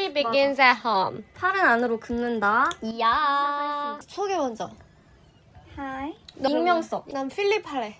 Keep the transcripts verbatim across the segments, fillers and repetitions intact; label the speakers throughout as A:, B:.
A: Story begins at home.
B: 팔은 안으로 긋는다.
A: 이야. 소개 먼저.
C: 하이.
B: 익명 써.
A: 난 필립 할래.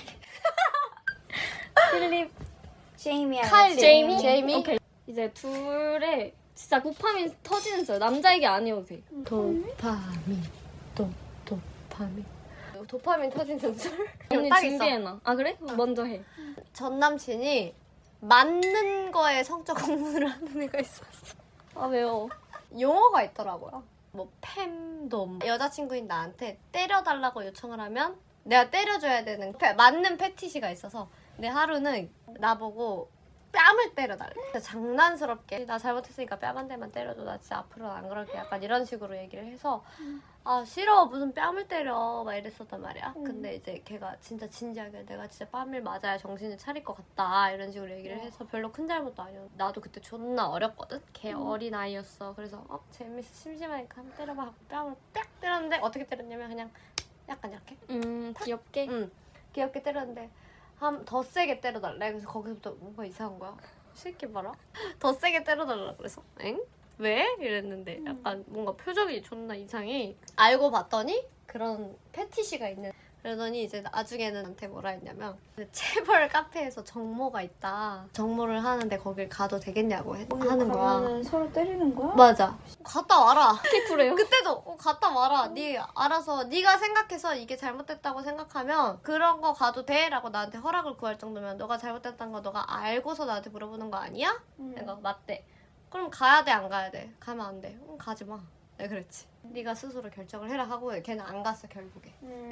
B: 필립,
C: 제이미.
A: 카일리.
B: 제이미?
A: 제이미.
B: 오케이. 이제 둘의 진짜 도파민 터지는 썰. 남자에게 아니어도 돼.
A: 도파민. 도 도파민. 도파민 터지는 썰?
B: 언니
A: 딱 있어.
B: 준비해놔. 아 그래? 먼저 해.
A: 전 남친이 맞는 거에 성적 공부를 하는 애가 있었어.
B: 아 왜요?
A: 용어가 있더라고요. 뭐 팸돔. 여자친구인 나한테 때려달라고 요청을 하면 내가 때려줘야 되는 패- 맞는 패티시가 있어서 내 하루는 나보고 뺨을 때려달래. 진짜 장난스럽게 나 잘못했으니까 뺨 한 대만 때려줘. 나 진짜 앞으로는 안 그럴게. 약간 이런 식으로 얘기를 해서 아 싫어 무슨 뺨을 때려 막 이랬었단 말이야. 근데 이제 걔가 진짜 진지하게 내가 진짜 뺨을 맞아야 정신을 차릴 것 같다 이런 식으로 얘기를 해서 별로 큰 잘못도 아니었. 나도 그때 존나 어렸거든. 걔 어린 아이였어. 그래서 어 재밌어 심심하니까 한번 때려봐 하고 뺨을 딱 때렸는데 어떻게 때렸냐면 그냥 약간 이렇게
B: 음 귀엽게.
A: 응 귀엽게 때렸는데 한 더 세게 때려달래. 그래서 거기서부터 뭔가 이상한 거야. 새끼 봐라. 더 세게 때려달라 그래서 엥? 왜? 이랬는데 약간 뭔가 표정이 존나 이상해. 알고 봤더니 그런 패티시가 있는. 그러더니 이제 나중에는 나한테 뭐라 했냐면 체벌 카페에서 정모가 있다. 정모를 하는데 거길 가도 되겠냐고 해, 하는 거야.
C: 가면은 서로 때리는 거야?
A: 맞아. 갔다 와라.
B: 그래요?
A: 그때도 어, 갔다 와라. 네 알아서 네가 생각해서 이게 잘못됐다고 생각하면 그런 거 가도 돼라고 나한테 허락을 구할 정도면 너가 잘못됐다는 거 너가 알고서 나한테 물어보는 거 아니야?
C: 응.
A: 내가 맞대. 그럼 가야 돼 안 가야 돼? 가면 안 돼. 응, 가지 마. 내가 그랬지. 네가 스스로 결정을 해라 하고 걔는 안 갔어 결국에.
C: 음.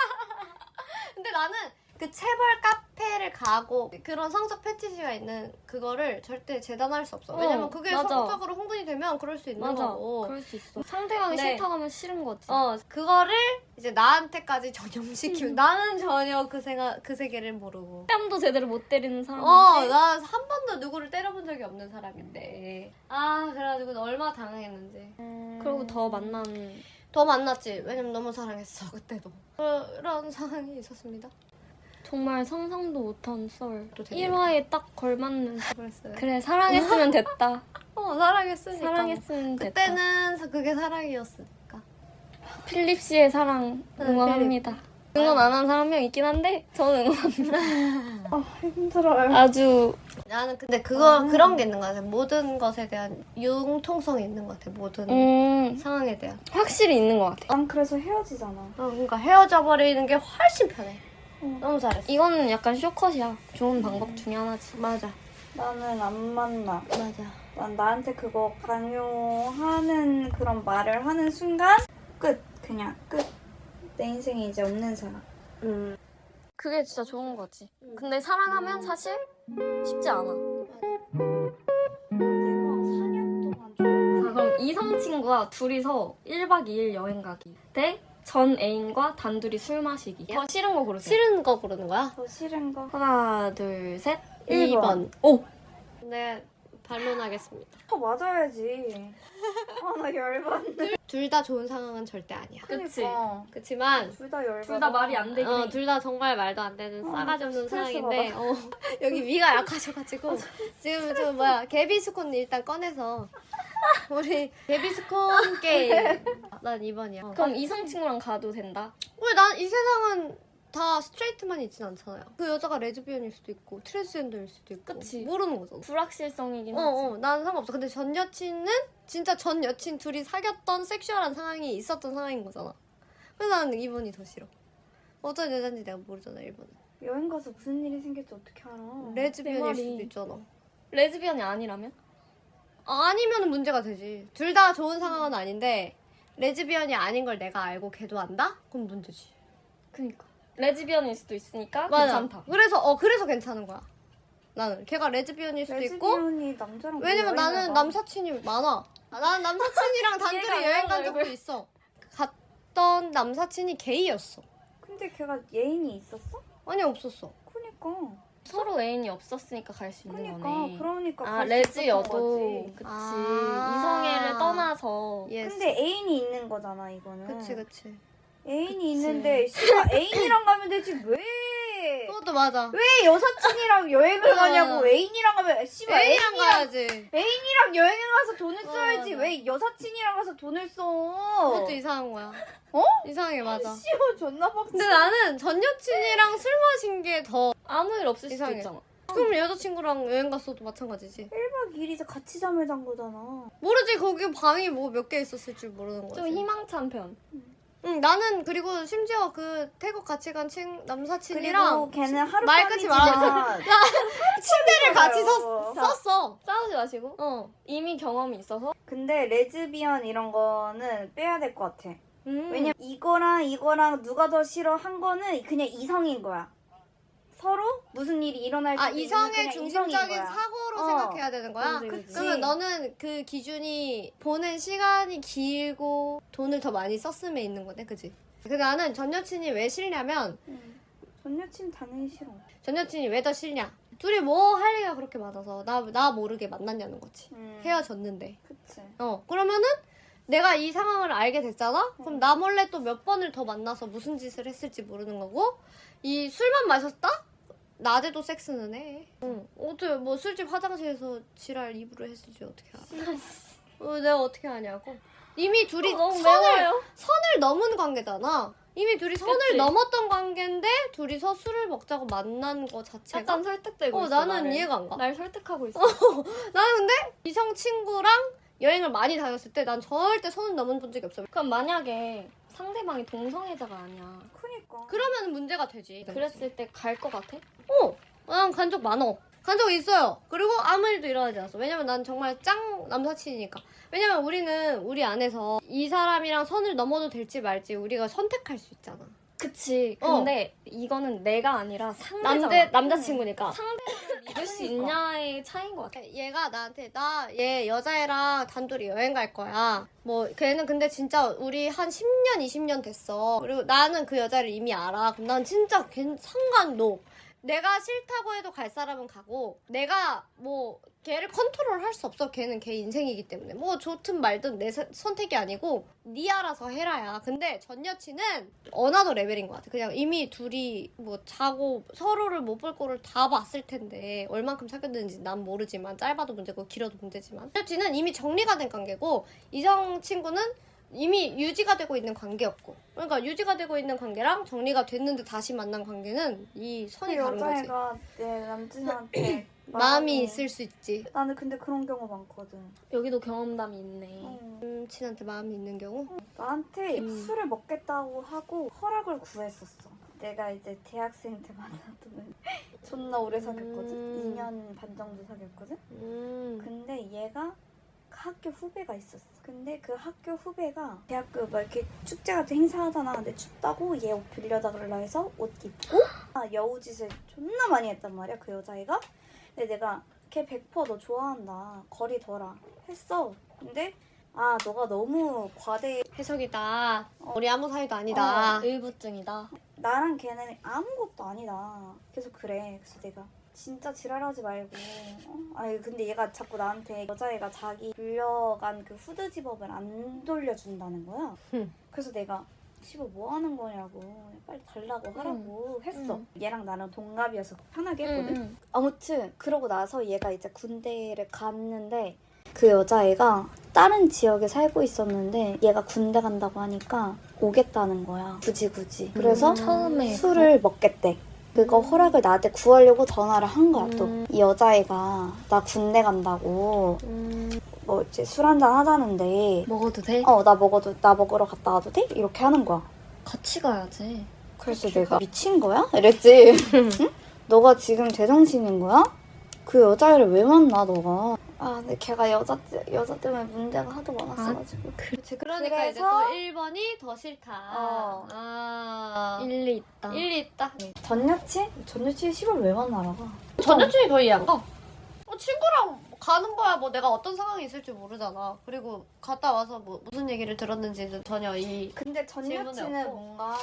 A: 근데 나는 그 체벌 카페를 가고 그런 성적 패티시가 있는 그거를 절대 재단할 수 없어. 왜냐면
B: 어,
A: 그게
B: 맞아.
A: 성적으로 흥분이 되면 그럴 수 있는
B: 맞아.
A: 거고.
B: 그럴 수 있어. 상대방이
A: 네.
B: 싫다고 하면 싫은 거지.
A: 어 그거를 이제 나한테까지 전염시키면 나는 전혀 그 생각 그 세계를 모르고.
B: 뺨도 제대로 못 때리는 사람인데.
A: 어 나 한 번도 누구를 때려본 적이 없는 사람인데. 아 그래가지고 얼마나 당황했는지.
B: 그리고 더 만나는.
A: 더 만났지. 왜냐면 너무 사랑했어 그때도. 그런 상황이 있었습니다.
B: 정말 상상도 못한 썰.
A: 또 되게-
B: 일 화에 딱 걸맞는.
A: 그랬어요.
B: 그래 사랑했으면 됐다.
A: 어 사랑했으니까.
B: 사랑했으면 됐다.
A: 그때는 사- 그게 사랑이었으니까.
B: 필립 씨의 사랑 응원합니다. 응원 안 하는 사람 한 명 있긴 한데 저는 응원합니다.
C: 아 힘들어요.
B: 아주
A: 나는 근데 그거 그런 게 있는 것 같아. 모든 것에 대한 융통성이 있는 것 같아. 모든
B: 음
A: 상황에 대한.
B: 확실히 있는 것 같아.
C: 난 그래서 헤어지잖아.
A: 어, 그러니까 헤어져 버리는 게 훨씬 편해.
C: 응.
A: 너무 잘했어.
B: 이거는 약간 쇼컷이야. 좋은 방법 중에 하나지.
A: 맞아.
C: 나는 안 만나.
A: 맞아.
C: 난 나한테 그거 강요하는 그런 말을 하는 순간 끝. 그냥 끝. 내 인생에 이제 없는 사람.
A: 음.
B: 그게 진짜 좋은 거지. 근데 사랑하면 사실 쉽지 않아.
C: 내가 사 년 동안 좋아했던
B: 자, 그럼 이성 친구와 둘이서 일 박 이 일 여행 가기 대 전 애인과 단둘이 술 마시기. 더 싫은 거 고르세요.
A: 싫은 거 고르는 거야?
C: 더 싫은 거.
B: 하나, 둘, 셋.
C: 일 번.
B: 오!
A: 네, 반론하겠습니다.
C: 더 맞아야지. 아 나 열받네.
A: 둘 다 좋은 상황은 절대 아니야.
B: 그치.
C: 그러니까.
A: 그치만
C: 둘 다 열받아.
B: 둘 다 말이 안 되긴
A: 어,
B: 해.
A: 둘 다 정말 말도 안 되는
C: 어,
A: 싸가지 없는
C: 스트레스
A: 상황인데 어, 여기 위가 약하셔가지고 지금 저 뭐야 개비스콘 일단 꺼내서 우리 개비스콘 게임 난 이 번이야. 어.
B: 그럼 이성 친구랑 가도 된다?
A: 왜 난 이 세상은 다 스트레이트만 있진 않잖아요. 그 여자가 레즈비언일 수도 있고 트랜스젠더일 수도 있고
B: 그치.
A: 모르는 거잖아.
B: 불확실성이긴 하지.
A: 어어 난 상관없어. 근데 전 여친은 진짜 전 여친 둘이 사귀었던 섹슈얼한 상황이 있었던 상황인 거잖아. 그래서 나는 이 번이 더 싫어. 어떤 여자인지 내가 모르잖아. 일 번은
C: 여행 가서 무슨 일이 생길지 어떻게 알아?
A: 레즈비언일
B: 말이.
A: 수도 있잖아.
B: 레즈비언이 아니라면?
A: 아니면 문제가 되지. 둘 다 좋은 상황은 아닌데 레즈비언이 아닌 걸 내가 알고 걔도 안다? 그럼 문제지.
B: 그니까. 레즈비언일 수도 있으니까
A: 맞아.
B: 괜찮다.
A: 그래서 어 그래서 괜찮은 거야. 나는 걔가 레즈비언일 수도 있고
C: 레즈비언이 남자랑
A: 왜냐면
C: 왜 여행을
A: 나는
C: 가?
A: 남사친이 많아. 아, 나는 남사친이랑 단둘이
B: 얘가
A: 여행 간
B: 이런
A: 적도 있어. 갔던 남사친이 게이였어.
C: 근데 걔가 예인이 있었어?
A: 아니 없었어.
C: 그니까.
B: 서로 애인이 없었으니까 갈 수 있는
C: 그니까.
B: 거네.
C: 그러니까.
B: 아
C: 갈수
B: 레즈여도
C: 있었던 거지.
B: 그치.
A: 아.
B: 이성애를 떠나서
A: 예스.
C: 근데 애인이 있는 거잖아 이거는.
A: 그치 그치.
C: 애인이
B: 그치.
C: 있는데 씨발 애인이랑 가면 되지 왜
A: 그것도 맞아.
C: 왜 여사친이랑 여행을
A: 어.
C: 가냐고. 애인이랑 가면 씨발
A: 애인이랑
C: 애인이랑
A: 가야지.
C: 애인이랑 여행을 가서 돈을
A: 어,
C: 써야지.
A: 맞아.
C: 왜 여사친이랑 가서 돈을 써?
A: 그것도 이상한 거야.
C: 어?
A: 이상해 맞아.
C: 씨발 존나 빡치.
A: 근데 나는 전 여친이랑 술 마신 게 더
B: 아무 일 없을 수도
A: 이상해.
B: 있잖아.
A: 그럼 여자친구랑 여행 갔어도 마찬가지지.
C: 일 박 이 일이서 같이 잠을 잔 거잖아.
A: 모르지 거기 방이 뭐 몇 개 있었을 줄 모르는 거지.
B: 좀 희망찬 편.
A: 응 나는 그리고 심지어 그 태국 같이 간 친, 남사친이랑
C: 그리고 걔는 하루
A: 말 끊지 말아. 침대를 같이 섰, 썼어.
B: 싸우지 마시고.
A: 어.
B: 이미 경험이 있어서.
C: 근데 레즈비언 이런 거는 빼야 될 것 같아.
A: 음.
C: 왜냐면 이거랑 이거랑 누가 더 싫어 한 거는 그냥 이성인 거야. 서로 무슨 일이 일어날 때
A: 아 이성의
C: 그냥
A: 중심적인
C: 이성인 거야.
A: 사고로
C: 어.
A: 생각해야 되는 거야?
B: 그치, 그치.
A: 그러면 너는 그 기준이 보낸 시간이 길고 돈을 더 많이 썼음에 있는 거네 그치? 근데 나는 전 여친이 왜 싫냐면
C: 응. 전 여친 당연히 싫어.
A: 전 여친이 왜 더 싫냐 둘이 뭐 할 얘기가 그렇게 많아서 나, 나 모르게 만났냐는 거지.
C: 음.
A: 헤어졌는데
C: 그치.
A: 어 그러면은 내가 이 상황을 알게 됐잖아? 그럼 나 몰래 또 몇 번을 더 만나서 무슨 짓을 했을지 모르는 거고 이 술만 마셨다? 낮에도 섹스는 해. 응. 어떻게 뭐 술집 화장실에서 지랄 입으로 했을지 어떻게 알아? 어, 내가 어떻게 아냐고. 이미 둘이
B: 어, 너무
A: 선을
B: 매워요.
A: 선을 넘은 관계잖아. 이미 둘이 선을
B: 그치.
A: 넘었던 관계인데 둘이서 술을 먹자고 만난 거 자체가
B: 약간 설득되고
A: 어
B: 있어.
A: 나는
B: 나를.
A: 이해가 안 가.
B: 날 설득하고 있어.
A: 나는 근데 이성 친구랑 여행을 많이 다녔을 때 난 절대 선을 넘은 본 적이 없어.
B: 그럼 만약에 상대방이 동성애자가 아니야.
C: 그니까.
A: 그러면 문제가 되지.
B: 그랬을 때 갈 것 같아?
A: 어, 난 간 적 많어. 간 적 있어요. 그리고 아무 일도 일어나지 않았어. 왜냐면 난 정말 짱 남사친이니까. 왜냐면 우리는 우리 안에서 이 사람이랑 선을 넘어도 될지 말지 우리가 선택할 수 있잖아.
B: 그치.
A: 어.
B: 근데 이거는 내가 아니라 상대잖아.
A: 남대 남자친구니까.
B: 상대를 믿을 수 있냐의 차이인 것 같아.
A: 얘가 나한테 나 얘 여자애랑 단둘이 여행 갈 거야. 뭐 걔는 근데 진짜 우리 한 십 년 이십 년 됐어. 그리고 나는 그 여자를 이미 알아. 그럼 난 진짜 걔 상관노. 내가 싫다고 해도 갈 사람은 가고 내가 뭐 걔를 컨트롤 할 수 없어. 걔는 걔 인생이기 때문에 뭐 좋든 말든 내 사- 선택이 아니고 네 알아서 해라야. 근데 전 여친은 어나더 레벨인 것 같아. 그냥 이미 둘이 뭐 자고 서로를 못 볼 거를 다 봤을 텐데 얼만큼 사귀었는지 난 모르지만 짧아도 문제고 길어도 문제지만 전 여친은 이미 정리가 된 관계고 이성 친구는 이미 유지가 되고 있는 관계였고 그러니까 유지가 되고 있는 관계랑 정리가 됐는데 다시 만난 관계는 이 선이
C: 그
A: 다른 거지.
C: 여자애가 내 남친한테
A: 마음이 있을 수 있지.
C: 나는 근데 그런 경우 많거든.
B: 여기도 경험담이 있네.
C: 어.
A: 음, 친한테 마음이 있는 경우?
C: 나한테
A: 음.
C: 술을 먹겠다고 하고 허락을 구했었어. 내가 이제 대학생 때 만났던 존나 오래 사귀었거든.
A: 음.
C: 이 년 반 정도 사귀었거든.
A: 음.
C: 근데 얘가 학교 후배가 있었어. 근데 그 학교 후배가 대학교 막 이렇게 축제 같은 행사 하잖아. 근데 춥다고 얘 옷 빌려달라 해서 옷 입고 아, 여우짓을 존나 많이 했단 말이야. 그 여자애가. 근데 내가 걔 백 퍼센트 너 좋아한다. 거리 둬라. 했어. 근데 아 너가 너무 과대.
A: 해석이다. 우리 아무 사이도 아니다.
B: 어, 의부증이다.
C: 나랑 걔는 아무것도 아니다. 계속 그래. 그래서 내가 진짜 지랄하지 말고. 어? 아니 근데 얘가 자꾸 나한테 여자애가 자기 불려간 그 후드 집업을 안 돌려준다는 거야.
A: 흠.
C: 그래서 내가 씨발 뭐 하는 거냐고 빨리 달라고 하라고 했어.
B: 음.
C: 얘랑 나는 동갑이어서 편하게 했거든.
B: 응, 응.
C: 아무튼 그러고 나서 얘가 이제 군대를 갔는데 그 여자애가 다른 지역에 살고 있었는데 얘가 군대 간다고 하니까 오겠다는 거야. 굳이 굳이. 그래서
B: 음. 처음에
C: 술을 먹겠대. 그거 허락을 나한테 구하려고 전화를 한 거야. 또
A: 음.
C: 이 여자애가 나 군대 간다고
A: 음.
C: 뭐 이제 술 한잔 하자는데
B: 먹어도 돼?
C: 어 나 먹어도 나 먹으러 갔다 와도 돼? 이렇게 하는 거야.
B: 같이 가야지.
C: 그래서 내가 미친 거야? 이랬지. 응? 너가 지금 제정신인 거야? 그 여자애를 왜 만나 너가? 아 근데 걔가 여자 여자 때문에 문제가 하도 많았어가지고.
A: 그렇지. 그러니까
C: 그래서-
A: 이제 또 일 번이 더 싫다.
C: 어.
A: 아.
B: 일리 있다.
A: 일리 있다.
C: 전 여친? 전 여친 시발 왜 만나러 가?
A: 전 여친이 더 이해 안 가. 어, 친구랑 가는 거야. 뭐 내가 어떤 상황이 있을지 모르잖아. 그리고 갔다 와서 뭐 무슨 얘기를 들었는지는 전혀 이
C: 근데 전
A: 질문이
C: 여친은
A: 없고.
C: 뭔가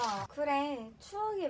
C: 그래 추억이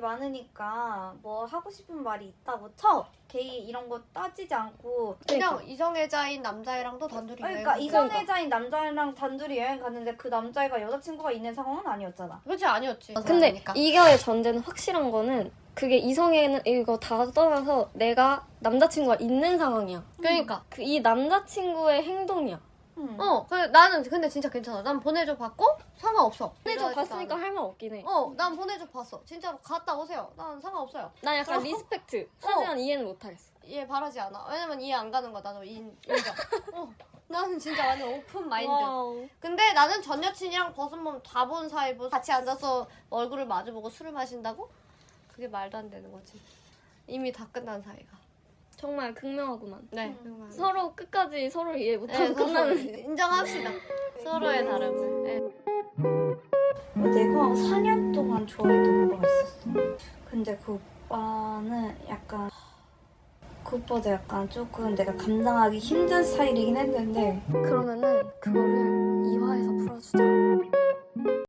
C: 많으니까 뭐 하고 싶은 말이 있다고 쳐. 게이 이런 거 따지지 않고
A: 그냥 이성애자인 남자애랑도 단둘이
C: 그러니까
A: 여행
C: 이성애자인 남자애랑 단둘이 여행 갔는데 그 남자애가 여자친구가 있는 상황은 아니었잖아.
A: 그렇지 아니었지.
B: 근데
A: 그러니까.
B: 이거의 전제는 확실한 거는 그게 이성애는 이거 다 떠나서 내가 남자친구가 있는 상황이야.
A: 그러니까.
B: 그 이 남자친구의 행동이야.
C: 응.
A: 어, 그 나는 근데 진짜 괜찮아. 난 보내줘 봤고 상관없어.
B: 보내줘
A: 이러지도
B: 봤으니까
A: 않아.
B: 할 말 없긴 해.
A: 어, 난 보내줘 봤어. 진짜로 갔다 오세요. 난 상관없어요.
B: 난 약간
A: 어.
B: 리스펙트. 하지만 이해는 못하겠어.
A: 이해 바라지 않아. 왜냐면 이해 안 가는 거 나도 인, 인정. 어, 나는 진짜 완전 오픈 마인드.
B: 와우.
A: 근데 나는 전 여친이랑 벗은몸 다 본 사이고 같이 앉아서 얼굴을 마주보고 술을 마신다고? 그게 말도 안 되는 거지. 이미 다 끝난 사이가.
B: 정말 극명하구만.
A: 네.
C: 음.
B: 서로 끝까지 서로 이해 못하고
A: 네, 서로
B: 끝나는.
A: 인정합시다. 서로의 다름을. 네.
C: 어, 내가 사 년 동안 좋아했던 오빠가 있었어. 근데 그 오빠는 약간 그 오빠도 약간 조금 내가 감당하기 힘든 스타일이긴 했는데
B: 그러면은 그거를 이화에서 풀어주자.